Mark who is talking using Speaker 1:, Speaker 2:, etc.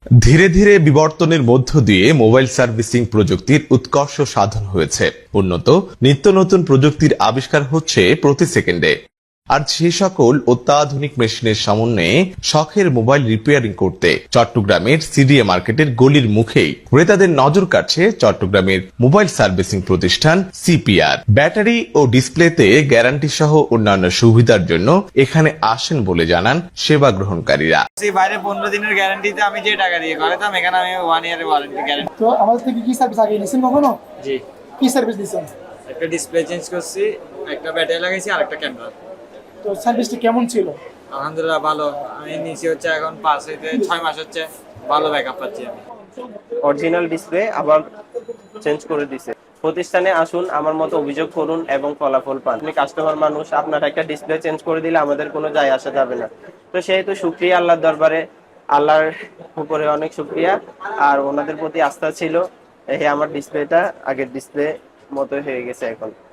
Speaker 1: ধীরে ধীরে বিবর্তনের মধ্য দিয়ে মোবাইল সার্ভিসিং প্রযুক্তির উৎকর্ষ সাধন হয়েছে। উন্নত নিত্য নতুন প্রযুক্তির আবিষ্কার হচ্ছে প্রতি সেকেন্ডে। আর সে সকল অত্যাধুনিক মেশিনের সমন্বয়ে শখের মোবাইল রিপেয়ারিং করতে চট্টগ্রামের সিডিএ মার্কেটের গলির মুখেই ক্রেতাদের নজর কাটছে চট্টগ্রামের মোবাইল সার্ভিসিং প্রতিষ্ঠান সিপিআর। ব্যাটারি ও ডিসপ্লেতে গ্যারান্টি সহ অন্যান্য সুবিধার জন্য এখানে আসেন বলে জানান সেবা গ্রহণকারীরা।
Speaker 2: বাইরে 15 দিনের গ্যারান্টিতে আমি যে টাকা দিয়ে করাতাম, এখানে আমি 1 ইয়ারের ওয়ারেন্টি গ্যারান্টি।
Speaker 3: তো আমাদের থেকে কি সার্ভিস আগে নিয়েছেন কখনো?
Speaker 2: জি,
Speaker 3: কি সার্ভিস দিয়েছেন?
Speaker 2: একটা ডিসপ্লে চেঞ্জ করছি, একটা ব্যাটারি লাগাইছি আর একটা ক্যামেরা।
Speaker 3: তো সার্ভিসটা কেমন ছিল?
Speaker 2: আলহামদুলিল্লাহ ভালো। আমি নিচে হচ্ছে এখন 5 হইতে 6 মাস হচ্ছে, ভালো ব্যাকআপ পাচ্ছি আমি।
Speaker 4: অরিজিনাল ডিসপ্লে আবার চেঞ্জ করে দিছে। প্রতিষ্ঠানে আসুন, আমার মতো অভিযোগ করুন এবং ফলাফল পান। আপনি কাস্টমার মানুষ, আপনার একটা ডিসপ্লে চেঞ্জ করে দিলে আমাদের কোনো যায় আসা যাবে না। তো সেহেতু শুকরিয়া আল্লাহর দরবারে, আল্লাহর উপরে অনেক শুকরিয়া। আর ওনাদের প্রতি আস্থা ছিল, এই আমার ডিসপ্লেটা আগের ডিসপ্লে মতো হয়ে গেছে এখন।